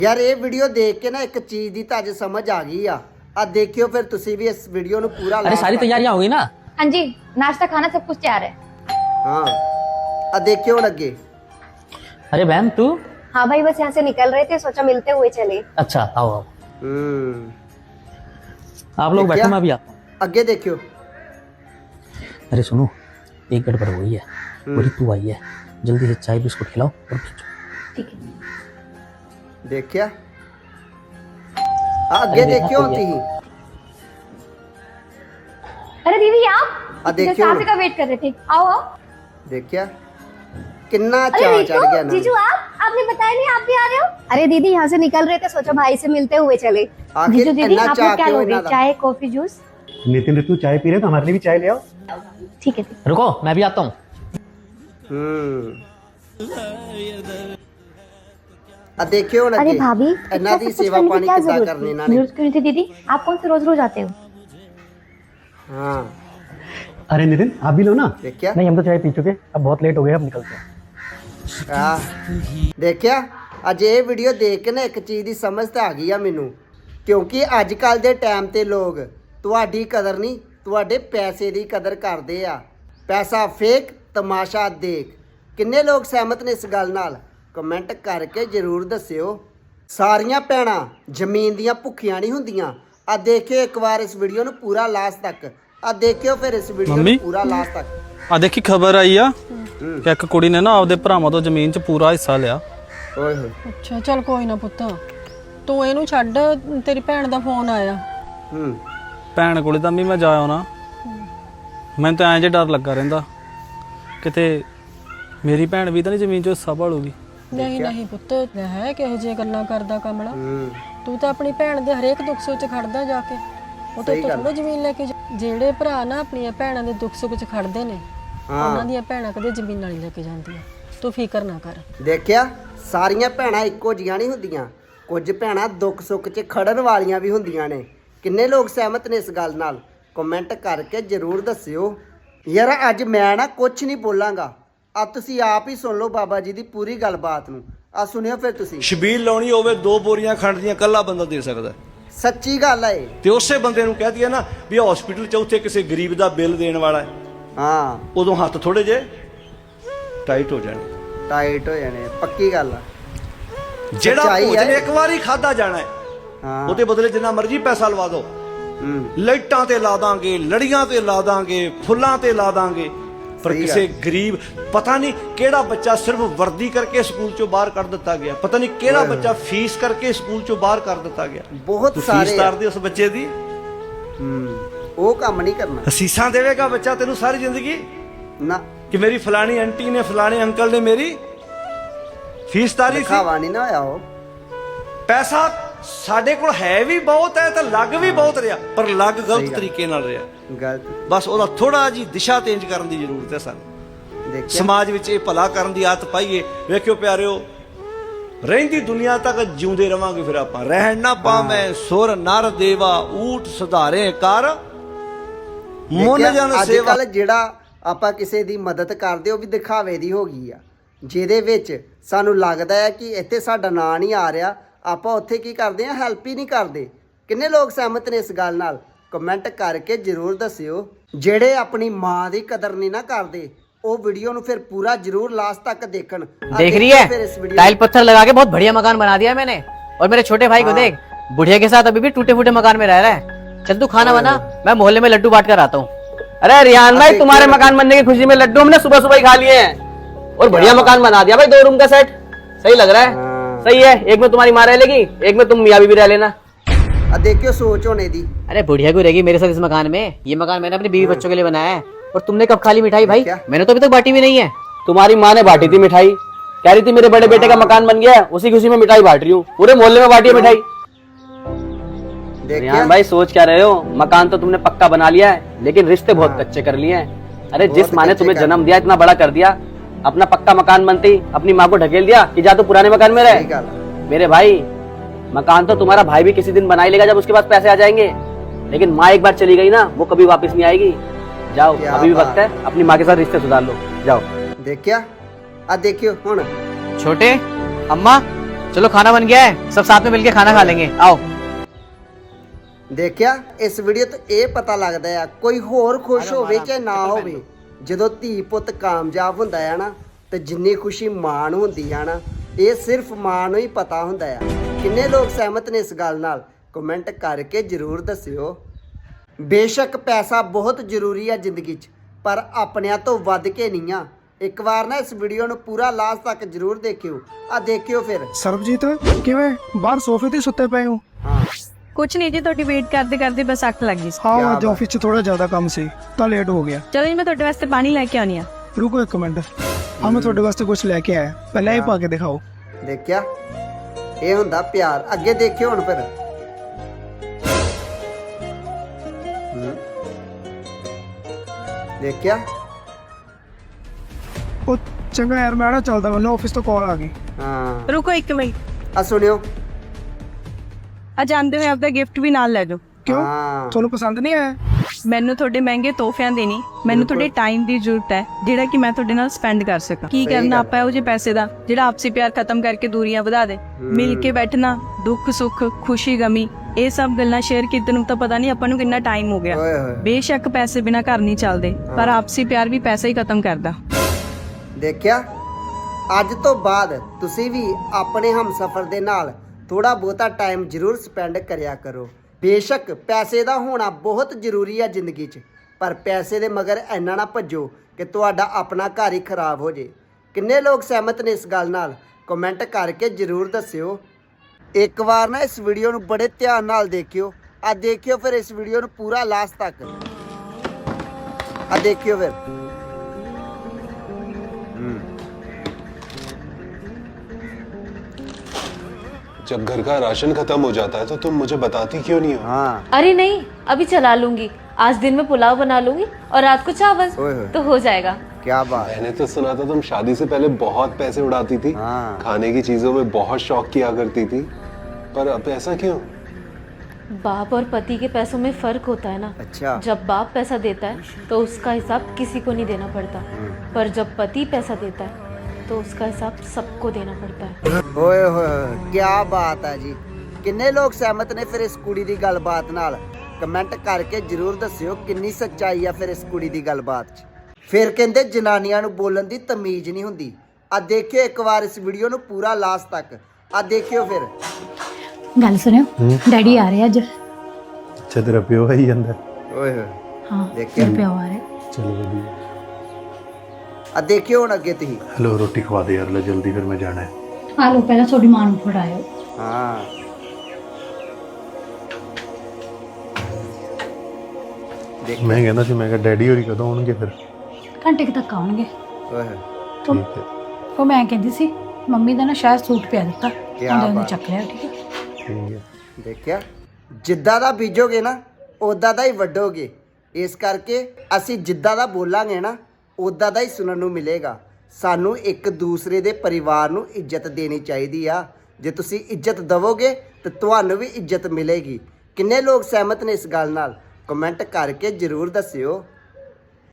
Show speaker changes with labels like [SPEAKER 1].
[SPEAKER 1] यार ये वीडियो देख के ना एक चीज दी ताज समझ आ गई आ देखियो फिर तुसी भी इस वीडियो नु पूरा।
[SPEAKER 2] अरे सारी तैयारियां हो गई ना?
[SPEAKER 3] हाँ जी, नाश्ता खाना सब कुछ तैयार है।
[SPEAKER 1] हाँ आ देखियो लगे।
[SPEAKER 2] अरे बहन तू?
[SPEAKER 3] हाँ भाई, बस यहाँ से निकल रहे थे, सोचा मिलते हुए चले।
[SPEAKER 2] अच्छा आओ आओ। आप लोग
[SPEAKER 1] देखिया?
[SPEAKER 2] बैठो, मैं अभी आता हूँ।
[SPEAKER 1] आगे देखियो।
[SPEAKER 2] अरे सुनो, एक गड़बड़ हो गई है। बोली तू आई है, जल्दी से चाय बिस्कुट खिलाओ और भेजो।
[SPEAKER 3] ठीक है।
[SPEAKER 1] देखिया आगे देखियो होती ही।
[SPEAKER 3] अरे दीदी आप
[SPEAKER 1] देखियो
[SPEAKER 3] नाश्ते का वेट कर रहे थे, आओ आओ।
[SPEAKER 1] देखिया किन्ना
[SPEAKER 3] अरे
[SPEAKER 1] चाव चढ़ गया
[SPEAKER 3] जीजू,
[SPEAKER 1] ना।
[SPEAKER 3] जीजू आपने बताया नहीं आप भी आ रहे हो? अरे दीदी यहाँ से निकल रहे थे, सोचा भाई से मिलते हुए चले।
[SPEAKER 1] आखिर
[SPEAKER 3] जीजू दीदी
[SPEAKER 1] इतना
[SPEAKER 3] आप
[SPEAKER 1] चाह
[SPEAKER 3] लोग क्या
[SPEAKER 1] क्यों
[SPEAKER 3] लोगे,
[SPEAKER 1] इतना?
[SPEAKER 3] चाय कॉफी जूस?
[SPEAKER 4] नितिन ऋतु चाय पी रहे तो हमारे लिए भी चाय ले आओ।
[SPEAKER 3] ठीक है।
[SPEAKER 2] रुको मैं भी आता हूँ।
[SPEAKER 1] देखियो लगे।
[SPEAKER 3] अरे भाभी,
[SPEAKER 1] इन्ना दी सेवा पानी कितना करने ना ने।
[SPEAKER 3] जरूरत क्यों नहीं थी दीदी, आप कौन से रोज रोज आते हो?
[SPEAKER 1] हाँ
[SPEAKER 4] अरे नितिन आप भी लो ना।
[SPEAKER 1] देखिया
[SPEAKER 4] नहीं हम तो चाय पी चुके, अब बहुत लेट हो गए, अब निकलते हैं।
[SPEAKER 1] देखिया अज ये वीडियो देख के ना एक चीज की समझ तो आ गई आ मैनू, क्योंकि अजकल के टाइम ते लोग तुहाडी कदर नहीं तुहाडे पैसे की कदर करते आ। पैसा फेक तमाशा देख। किन्ने लोग सहमत ने इस गल नाल? कमेंट करके जरूर दस्सियो। सारियां भैणां जमीन दियां भुखियां नहीं हुंदियां। आ देखियो एक बार इस वीडियो नू पूरा लास्ट तक। आ देखियो फिर इस वीडियो नू पूरा लास्ट तक।
[SPEAKER 5] आ देखी खबर आई आ कि एक कुड़ी ने ना आपदे भरावां तो जमीन च पूरा हिस्सा लिया।
[SPEAKER 1] ओए होए।
[SPEAKER 6] ਅੱਛਾ ਚੱਲ ਕੋਈ ਨਾ ਪੁੱਤ, ਤੂੰ ਇਹਨੂੰ ਛੱਡ, ਤੇਰੀ ਭੈਣ ਦਾ ਫੋਨ ਆਇਆ।
[SPEAKER 5] ਭੈਣ ਕੋਲੇ ਤਾਂ ਵੀ ਮੈਂ ਜਾ ਆਉਣਾ। ਮੈਨੂੰ ਤਾਂ ਐਂ ਜੇ ਡਰ ਲੱਗਾ ਰਹਿੰਦਾ ਕਿਤੇ ਮੇਰੀ ਭੈਣ ਵੀ ਤਾਂ ਨਹੀਂ ਜ਼ਮੀਨ 'ਚੋਂ ਹਿੱਸਾ ਭਾਲੂਗੀ।
[SPEAKER 6] ਨਹੀਂ ਨਹੀਂ ਪੁੱਤ, ਹੈ ਕਿਹੋ ਜਿਹੀਆਂ ਗੱਲਾਂ ਕਰਦਾ ਕਮਲਾ। ਤੂੰ ਤਾਂ ਆਪਣੀ ਭੈਣ ਦੇ ਹਰੇਕ ਦੁੱਖ ਸੁੱਖ 'ਚ ਖੜਦਾ ਜਾ ਕੇ। ਉਹ ਤਾਂ ਥੋੜਾ ਜ਼ਮੀਨ ਲੈ ਕੇ ਜਿਹੜੇ ਭਰਾ ਨਾ ਆਪਣੀਆਂ ਭੈਣਾਂ ਦੇ ਦੁੱਖ ਸੁੱਖ 'ਚ ਖੜਦੇ ਨੇ, ਉਹਨਾਂ ਦੀਆਂ ਭੈਣਾਂ ਕਦੇ ਜ਼ਮੀਨਾਂ ਨਹੀਂ ਲੈ ਕੇ ਜਾਂਦੀਆਂ। ਤੂੰ ਫਿਕਰ ਨਾ ਕਰ।
[SPEAKER 1] ਦੇਖਿਆ ਸਾਰੀਆਂ ਭੈਣਾਂ ਇੱਕੋ ਜੀਆਂ ਨਹੀਂ ਹੁੰਦੀਆਂ। ਕੁਝ ਭੈਣਾਂ ਦੁੱਖ ਸੁੱਖ 'ਚ ਖੜਨ ਵਾਲੀਆਂ ਵੀ ਹੁੰਦੀਆਂ ਨੇ। ਕਿੰਨੇ ਲੋਕ ਸਹਿਮਤ ਨੇ ਇਸ ਗੱਲ ਨਾਲ? ਕਮੈਂਟ ਕਰਕੇ ਜ਼ਰੂਰ ਦੱਸਿਓ। ਯਾਰ ਅੱਜ ਮੈਂ ਨਾ ਕੁਝ ਨਹੀਂ ਬੋਲਾਂਗਾ, ਆ ਤੁਸੀਂ ਆਪ ਹੀ ਸੁਣ ਲਓ ਬਾਬਾ ਜੀ ਦੀ ਪੂਰੀ ਗੱਲਬਾਤ ਨੂੰ। ਆ ਸੁਣਿਓ ਫਿਰ ਤੁਸੀਂ।
[SPEAKER 7] ਛਬੀਲ ਲਾਉਣੀ ਹੋਵੇ 2 ਬੋਰੀਆਂ ਖੰਡ ਦੀਆਂ ਕੱਲਾ ਬੰਦਾ ਦੇ ਸਕਦਾ,
[SPEAKER 1] ਸੱਚੀ ਗੱਲ ਹੈ।
[SPEAKER 7] ਤੇ ਉਸੇ ਬੰਦੇ ਨੂੰ ਕਹਿ ਦਈਏ ਨਾ ਵੀ ਹਸਪੀਟਲ 'ਚ ਉੱਥੇ ਕਿਸੇ ਗਰੀਬ ਦਾ ਬਿੱਲ ਦੇਣ ਵਾਲਾ ਹੈ,
[SPEAKER 1] ਹਾਂ
[SPEAKER 7] ਉਦੋਂ ਹੱਥ ਥੋੜੇ ਜੇ ਟਾਈਟ ਹੋ ਜਾਣੇ।
[SPEAKER 1] ਟਾਈਟ ਹੋ ਜਾਣੇ, ਪੱਕੀ ਗੱਲ ਆ।
[SPEAKER 7] ਜਿਹੜਾ
[SPEAKER 1] ਸੱਚਾਈ
[SPEAKER 7] ਭੋਜਨ
[SPEAKER 1] ਹੈ।
[SPEAKER 7] ਇੱਕ ਵਾਰੀ ਖਾਦਾ ਜਾਣਾ ਹੈ,
[SPEAKER 1] ਹਾਂ
[SPEAKER 7] ਉਹਦੇ ਬਦਲੇ ਜਿੰਨਾ ਮਰਜ਼ੀ ਪੈਸਾ ਲਵਾ ਦਿਓ, ਲਾਈਟਾਂ ਤੇ ਲਾ ਦਾਂਗੇ, ਲੜੀਆਂ ਤੇ ਲਾ ਦਾਂਗੇ, ਫੁੱਲਾਂ ਤੇ ਲਾ ਦਾਂਗੇ, ਪਰ
[SPEAKER 1] ਸਹੀ
[SPEAKER 7] ਕਿਸੇ ਗਰੀਬ ਪਤਾ ਨਹੀਂ ਕਿਹੜਾ ਬੱਚਾ ਸਿਰਫ ਵਰਦੀ ਕਰਕੇ ਸਕੂਲ ਚੋਂ ਬਾਹਰ ਕੱਢ ਦਿੱਤਾ ਗਿਆ, ਪਤਾ ਨਹੀਂ ਕਿਹੜਾ ਬੱਚਾ ਫੀਸ ਕਰਕੇ ਸਕੂਲ ਚੋਂ ਬਾਹਰ ਕਰ ਦਿੱਤਾ ਗਿਆ।
[SPEAKER 1] ਬਹੁਤ
[SPEAKER 7] ਤੂੰ
[SPEAKER 1] ਸਾਰੇ
[SPEAKER 7] ਫੀਸ ਤਾਰਦੇ ਉਸ ਬੱਚੇ ਦੀ,
[SPEAKER 1] ਉਹ ਕੰਮ ਨਹੀਂ ਕਰਨਾ
[SPEAKER 7] ਅਸੀਸਾਂ ਦੇਵੇਗਾ ਬੱਚਾ ਤੈਨੂੰ ਸਾਰੀ ਜ਼ਿੰਦਗੀ
[SPEAKER 1] ਨਾ।
[SPEAKER 7] ਕਿ ਮੇਰੀ ਫਲਾਣੀ ਆਂਟੀ ਨੇ ਫਲਾਣੇ ਅੰਕਲ ਨੇ ਮੇਰੀ ਫੀਸ ਤਾਰੀ ਸੀ।
[SPEAKER 1] ਦਿਖਾਵਾ ਨਹੀਂ ਨਾ ਹੋਇਆ ਉਹ।
[SPEAKER 7] ਪੈਸਾ ਸਾਡੇ ਕੋਲ ਹੈ ਵੀ ਬਹੁਤ ਹੈ ਤੇ ਲੱਗ ਵੀ ਬਹੁਤ ਰਿਹਾ, ਪਰ ਲੱਗ ਗਲਤ ਤਰੀਕੇ ਨਾਲ ਰਿਹਾ।
[SPEAKER 1] ਗਲਤ
[SPEAKER 7] ਬਸ ਉਹਦਾ ਥੋੜਾ ਜੀ ਦਿਸ਼ਾ ਚੇਂਜ ਕਰਨ ਦੀ ਜ਼ਰੂਰਤ ਹੈ ਸਾਨੂੰ।
[SPEAKER 1] ਦੇਖਿਆ
[SPEAKER 7] ਸਮਾਜ ਵਿੱਚ ਇਹ ਭਲਾ ਕਰਨ ਦੀ ਆਦਤ ਪਾਈਏ। ਵੇਖਿਓ ਪਿਆਰਿਓ, ਰਹਿੰਦੀ ਦੁਨੀਆ ਤੱਕ ਜਿਉਂਦੇ ਰਵਾਂਗੇ ਫਿਰ ਆਪਾਂ। ਰਹਿਣ ਨਾ ਪਾਵੇਂ ਸੁਰ ਨਰ ਦੇਵਾ, ਊਠ ਸੁਧਾਰੇ ਕਰ ਮੁੱਲ ਜਨ
[SPEAKER 1] ਅੱਜ
[SPEAKER 7] ਸੇਵਾ।
[SPEAKER 1] ਕੱਲ ਜਿਹੜਾ ਆਪਾਂ ਕਿਸੇ ਦੀ ਮਦਦ ਕਰਦੇ ਉਹ ਵੀ ਦਿਖਾਵੇ ਦੀ ਹੋ ਗਈ ਆ, ਜਿਹਦੇ ਵਿੱਚ ਸਾਨੂੰ ਲੱਗਦਾ ਹੈ ਕਿ ਇੱਥੇ ਸਾਡਾ ਨਾਂ ਨਹੀਂ ਆ ਰਿਹਾ, ਆਪਾਂ ਉੱਥੇ ਕੀ ਕਰਦੇ ਆ, ਹੈਲਪ ਹੀ ਨਹੀਂ ਕਰਦੇ। ਕਿੰਨੇ ਲੋਕ ਸਹਿਮਤ ਨੇ ਇਸ ਗੱਲ ਨਾਲ? ਕਮੈਂਟ ਕਰਕੇ ਜ਼ਰੂਰ ਦੱਸਿਓ। ਜਿਹੜੇ ਆਪਣੀ ਮਾਂ ਦੀ ਕਦਰ ਨਹੀਂ ਨਾ ਕਰਦੇ, ਉਹ वीडियो ਨੂੰ ਫਿਰ पूरा जरूर लास्ट तक देखन।
[SPEAKER 8] देख रही है, टाइल पत्थर लगा के बहुत बढ़िया मकान बना दिया मैंने। और मेरे छोटे भाई को देख, बुढ़िया के साथ अभी भी टूटे फूटे मकान में रह रहा है। चल तू खाना बना, मैं मोहल्ले में लड्डू बांट कर आता हूँ।
[SPEAKER 2] अरे रियान भाई, तुम्हारे मकान बनने की खुशी में लड्डू हमने सुबह सुबह ही खा लिए हैं और बढ़िया मकान बना दिया भाई। 2 रूम का सेट सही लग रहा है। सही है, एक में तुम्हारी माँ रह लेगी, एक में तुम मियाँ बीवी रह लेना।
[SPEAKER 1] देखियो सोच होने दी।
[SPEAKER 8] अरे बुढ़िया को रहेगी मेरे साथ इस मकान में। ये मकान मैंने अपनी बीवी बच्चों के लिए बनाया है। और तुमने कब खाली मिठाई भाई? मैंने तो अभी तक बांटी भी नहीं है।
[SPEAKER 2] तुम्हारी माँ ने बांटी थी मिठाई, कह रही थी मेरे बड़े बेटे का मकान बन गया है, उसी खुशी में मिठाई बांट रही हूँ। पूरे मोहल्ले में बांटी है मिठाई। रियान भाई सोच क्या रहे हो? मकान तो तुमने पक्का बना लिया है, लेकिन रिश्ते बहुत कच्चे कर लिए हैं। अरे जिस माँ ने तुम्हें जन्म दिया, इतना बड़ा कर दिया, अपना पक्का मकान बनते ही अपनी माँ को ढकेल दिया कि जा तो पुराने मकान में रहे। मेरे भाई, मकान तो तुम्हारा भाई भी किसी दिन बना ही लेगा जब उसके पास पैसे आ जाएंगे, लेकिन माँ एक बार चली गई ना, वो कभी वापस नहीं आएगी। जाओ, अभी भी वक्त है, अपनी माँ के साथ रिश्ते सुधार लो। जाओ।
[SPEAKER 1] देखिया आ देखियो हुन
[SPEAKER 8] छोटे अम्मा चलो खाना बन गया है, सब साथ में मिलके खाना खा लेंगे, आओ।
[SPEAKER 1] ਦੇਖਿਆ ਇਸ ਵੀਡੀਓ ਤੋਂ ਇਹ ਪਤਾ ਲੱਗਦਾ ਆ ਕੋਈ ਹੋਰ ਖੁਸ਼ ਹੋਵੇ ਚਾਹੇ ਨਾ ਹੋਵੇ, ਜਦੋਂ ਧੀ ਪੁੱਤ ਕਾਮਯਾਬ ਹੁੰਦਾ ਆ ਨਾ ਤੇ ਜਿੰਨੀ ਖੁਸ਼ੀ ਮਾਂ ਨੂੰ ਹੁੰਦੀ ਆ ਨਾ ਇਹ ਸਿਰਫ ਮਾਂ ਨੂੰ ਹੀ ਪਤਾ ਹੁੰਦਾ ਆ। ਕਿੰਨੇ ਲੋਕ ਸਹਿਮਤ ਨੇ ਇਸ ਗੱਲ ਨਾਲ? ਕਮੈਂਟ ਕਰਕੇ ਜ਼ਰੂਰ ਦੱਸਿਓ। ਬੇਸ਼ੱਕ ਪੈਸਾ ਬਹੁਤ ਜ਼ਰੂਰੀ ਆ ਜ਼ਿੰਦਗੀ 'ਚ, ਪਰ ਆਪਣਿਆਂ ਤੋਂ ਵੱਧ ਕੇ ਨਹੀਂ ਆ। ਇੱਕ ਵਾਰ ਨਾ ਇਸ ਵੀਡੀਓ ਨੂੰ ਪੂਰਾ ਲਾਸਟ ਤੱਕ ਜ਼ਰੂਰ ਦੇਖਿਓ। ਆ ਦੇਖਿਓ ਫਿਰ।
[SPEAKER 9] ਸਰਬਜੀਤ ਕਿਵੇਂ ਬਾਹਰ ਸੋਫੇ ਤੇ ਸੁੱਤੇ ਪਏ ਹੋ?
[SPEAKER 1] ਹਾਂ
[SPEAKER 6] ਕੁਛ ਨਹੀਂ ਜੀ, ਤੁਹਾਡੀ ਵੇਟ ਕਰਦੇ ਕਰਦੇ ਬਸ ਅੱਖ ਲੱਗ ਗਈ ਸੀ।
[SPEAKER 9] ਹਾਂ ਅੱਜ ਆਫਿਸ 'ਚ ਥੋੜਾ ਜ਼ਿਆਦਾ ਕੰਮ ਸੀ ਤਾਂ ਲੇਟ ਹੋ ਗਿਆ।
[SPEAKER 6] ਚਲੋ ਜੀ, ਮੈਂ ਤੁਹਾਡੇ ਵਾਸਤੇ ਪਾਣੀ ਲੈ ਕੇ ਆਉਣੀ ਆ।
[SPEAKER 9] ਰੁਕੋ ਇੱਕ ਮਿੰਟ, ਹਾਂ ਮੈਂ ਤੁਹਾਡੇ ਵਾਸਤੇ ਕੁਝ ਲੈ ਕੇ ਆਇਆ, ਪਹਿਲਾਂ ਇਹ ਪਾ ਕੇ ਦਿਖਾਓ।
[SPEAKER 1] ਦੇਖਿਆ ਇਹ ਹੁੰਦਾ ਪਿਆਰ। ਅੱਗੇ ਦੇਖਿਓ ਹੁਣ ਫਿਰ। ਦੇਖਿਆ
[SPEAKER 9] ਉਹ ਚੰਗਾ ਯਾਰ, ਮੈਂ ਨਾ ਚੱਲਦਾ, ਮੈਨੂੰ ਆਫਿਸ ਤੋਂ ਕਾਲ ਆ ਗਈ।
[SPEAKER 1] ਹਾਂ
[SPEAKER 6] ਰੁਕੋ ਇੱਕ ਮਿੰਟ,
[SPEAKER 1] ਆ ਸੁਣਿਓ।
[SPEAKER 6] ਆ ਜਾਂਦੇ ਹੋਏ ਆਪਦਾ ਗਿਫਟ ਵੀ ਨਾਲ ਲੈ ਜਾਓ।
[SPEAKER 9] ਕਿਉਂ,
[SPEAKER 1] ਹਾਂ
[SPEAKER 9] ਤੁਹਾਨੂੰ ਪਸੰਦ ਨਹੀਂ ਆਇਆ?
[SPEAKER 6] ਮੈਨੂੰ ਤੁਹਾਡੇ ਮਹਿੰਗੇ ਤੋਹਫਿਆਂ ਦੀ ਨਹੀਂ, ਮੈਨੂੰ ਤੁਹਾਡੇ ਟਾਈਮ ਦੀ ਜ਼ਰੂਰਤ ਹੈ ਜਿਹੜਾ ਕਿ ਮੈਂ ਤੁਹਾਡੇ ਨਾਲ ਸਪੈਂਡ ਕਰ ਸਕਾਂ। ਕੀ ਕਰਨਾ ਆਪਾਂ ਇਹੋ ਜਿਹੇ ਪੈਸੇ ਦਾ ਜਿਹੜਾ ਆਪਸੀ ਪਿਆਰ ਖਤਮ ਕਰਕੇ ਦੂਰੀਆਂ ਵਧਾ ਦੇ। ਮਿਲ ਕੇ ਬੈਠਣਾ, ਦੁੱਖ ਸੁੱਖ, ਖੁਸ਼ੀ ਗਮੀ, ਇਹ ਸਭ ਗੱਲਾਂ ਸ਼ੇਅਰ ਕੀਤੇ ਨੂੰ ਤਾਂ ਪਤਾ ਨਹੀਂ ਆਪਾਂ ਨੂੰ ਕਿੰਨਾ ਟਾਈਮ ਹੋ ਗਿਆ।
[SPEAKER 1] ਓਏ ਹੋਏ।
[SPEAKER 6] ਬੇਸ਼ੱਕ ਪੈਸੇ ਬਿਨਾ ਘਰ ਨਹੀਂ ਚੱਲਦੇ, ਪਰ ਆਪਸੀ ਪਿਆਰ ਵੀ ਪੈਸਾ ਹੀ ਖਤਮ ਕਰਦਾ।
[SPEAKER 1] ਦੇਖਿਆ ਅੱਜ ਤੋਂ ਬਾਅਦ ਤੁਸੀਂ ਵੀ ਆਪਣੇ ਹਮਸਫਰ ਦੇ ਨਾਲ ਥੋੜਾ ਬਹੁਤਾ ਟਾਈਮ ਜ਼ਰੂਰ ਸਪੈਂਡ ਕਰਿਆ ਕਰੋ। ਬੇਸ਼ੱਕ ਪੈਸੇ ਦਾ ਹੋਣਾ ਬਹੁਤ ਜ਼ਰੂਰੀ ਆ ਜ਼ਿੰਦਗੀ 'ਚ, ਪਰ ਪੈਸੇ ਦੇ ਮਗਰ ਇੰਨਾ ਨਾ ਭੱਜੋ ਕਿ ਤੁਹਾਡਾ ਆਪਣਾ ਘਰ ਹੀ ਖਰਾਬ ਹੋ ਜੇ। ਕਿੰਨੇ ਲੋਕ ਸਹਿਮਤ ਨੇ ਇਸ ਗੱਲ ਨਾਲ? ਕਮੈਂਟ ਕਰਕੇ ਜ਼ਰੂਰ ਦੱਸਿਓ। ਇੱਕ ਵਾਰ ਨਾ ਇਸ ਵੀਡੀਓ ਨੂੰ ਬੜੇ ਧਿਆਨ ਨਾਲ ਦੇਖਿਓ। ਆ ਦੇਖਿਓ ਫਿਰ ਇਸ ਵੀਡੀਓ ਨੂੰ ਪੂਰਾ ਲਾਸਟ ਤੱਕ। ਆ ਦੇਖਿਓ ਫਿਰ।
[SPEAKER 10] जब घर का राशन खत्म हो जाता है तो तुम मुझे बताती क्यों नहीं हो?
[SPEAKER 1] हाँ
[SPEAKER 11] अरे नहीं, अभी चला लूंगी। आज दिन में पुलाव बना लूंगी और रात को चावल,
[SPEAKER 1] ओए होए।
[SPEAKER 11] तो हो जाएगा।
[SPEAKER 1] क्या बात।
[SPEAKER 10] मैंने तो सुना था तुम शादी से पहले बहुत पैसे उड़ाती थी,
[SPEAKER 1] हाँ।
[SPEAKER 10] खाने की चीजों में बहुत शौक किया करती थी, पर अब ऐसा क्यों?
[SPEAKER 11] बाप और पति के पैसों में फर्क होता है ना।
[SPEAKER 1] अच्छा।
[SPEAKER 11] जब बाप पैसा देता है तो उसका हिसाब किसी को नहीं देना पड़ता, पर जब पति पैसा देता है तो उसका हिसाब सबको देना पड़ता है।
[SPEAKER 1] ਓਏ ਹੋਏ ਕੀ ਬਾਤ ਹੈ ਜੀ। ਕਿੰਨੇ ਲੋਕ ਸਹਿਮਤ ਨੇ ਫਿਰ ਇਸ ਕੁੜੀ ਦੀ ਗੱਲਬਾਤ ਨਾਲ? ਕਮੈਂਟ ਕਰਕੇ ਜ਼ਰੂਰ ਦੱਸਿਓ ਕਿੰਨੀ ਸੱਚਾਈ ਆ ਫਿਰ ਇਸ ਕੁੜੀ ਦੀ ਗੱਲਬਾਤ 'ਚ। ਫਿਰ ਕਹਿੰਦੇ ਜਨਾਨੀਆਂ ਨੂੰ ਬੋਲਣ ਦੀ ਤਮੀਜ਼ ਨਹੀਂ ਹੁੰਦੀ। ਆ ਦੇਖਿਓ ਇੱਕ ਵਾਰ ਇਸ ਵੀਡੀਓ ਨੂੰ ਪੂਰਾ ਲਾਸਟ ਤੱਕ। ਆ ਦੇਖਿਓ ਫਿਰ।
[SPEAKER 12] ਗੱਲ ਸੁਣਿਓ, ਡੈਡੀ ਆ ਰਹੇ ਅੱਜ।
[SPEAKER 4] अच्छा तेरा प्यो है ही अंदर?
[SPEAKER 1] ਓਏ ਹੋਏ
[SPEAKER 12] ਹਾਂ
[SPEAKER 1] ਦੇਖਿਓ।
[SPEAKER 12] ਮੇਰੇ ਪਿਓ ਆ ਰਹੇ।
[SPEAKER 4] चलो बढ़िया।
[SPEAKER 1] ਆ ਦੇਖਿਓ ਹੁਣ ਅੱਗੇ ਤੁਸੀਂ।
[SPEAKER 4] हेलो रोटी खवा दे यार, ले जल्दी फिर मैं जाना है।
[SPEAKER 12] ਆ ਲੋ ਪਹਿਲਾਂ ਤੁਹਾਡੀ ਮਾਂ ਨੂੰ ਫੜਾਇਓ।
[SPEAKER 1] ਹਾਂ
[SPEAKER 4] मैं कहना सी, मैं कहा डैडी होरी कदों आउणगे फिर?
[SPEAKER 12] ਘੰਟੇ ਕੁ ਤੱਕ ਆਉਣਗੇ।
[SPEAKER 1] ਓਏ ਹੋਏ
[SPEAKER 4] ठीक है
[SPEAKER 12] ਉਹ ਮੈਂ ਕਹਿੰਦੀ ਸੀ ਮੰਮੀ ਦਾ ਨਾ ਸ਼ਾਇਦ ਸੂਟ ਪਿਆ ਦਿੱਤਾ,
[SPEAKER 1] ਕਿਆ
[SPEAKER 12] ਉਹਦੇ
[SPEAKER 1] ਬਾਤ।
[SPEAKER 12] ਚੱਕ ਲਿਆ। ਠੀਕ ਹੈ,
[SPEAKER 4] ठीक है।
[SPEAKER 1] ਦੇਖਿਆ ਜਿੱਦਾਂ ਦਾ ਬੀਜੋਗੇ ਨਾ ਉਦਾਂ ਦਾ ਹੀ ਵੱਢੋਗੇ। ਇਸ ਕਰਕੇ ਅਸੀਂ ਜਿੱਦਾਂ ਦਾ ਬੋਲਾਂਗੇ ਨਾ ਉਦਾਂ ਦਾ ਹੀ ਸੁਣਨ ਨੂੰ ਮਿਲੇਗਾ। ਸਾਨੂੰ ਇੱਕ ਦੂਸਰੇ ਦੇ ਪਰਿਵਾਰ ਨੂੰ ਇੱਜ਼ਤ ਦੇਣੀ ਚਾਹੀਦੀ ਆ। ਜੇ ਤੁਸੀਂ ਇੱਜ਼ਤ ਦਵੋਗੇ ਤਾਂ ਤੁਹਾਨੂੰ ਵੀ ਇੱਜ਼ਤ ਮਿਲੇਗੀ। ਕਿੰਨੇ ਲੋਕ ਸਹਿਮਤ ਨੇ ਇਸ ਗੱਲ ਨਾਲ? ਕਮੈਂਟ ਕਰਕੇ ਜ਼ਰੂਰ ਦੱਸਿਓ।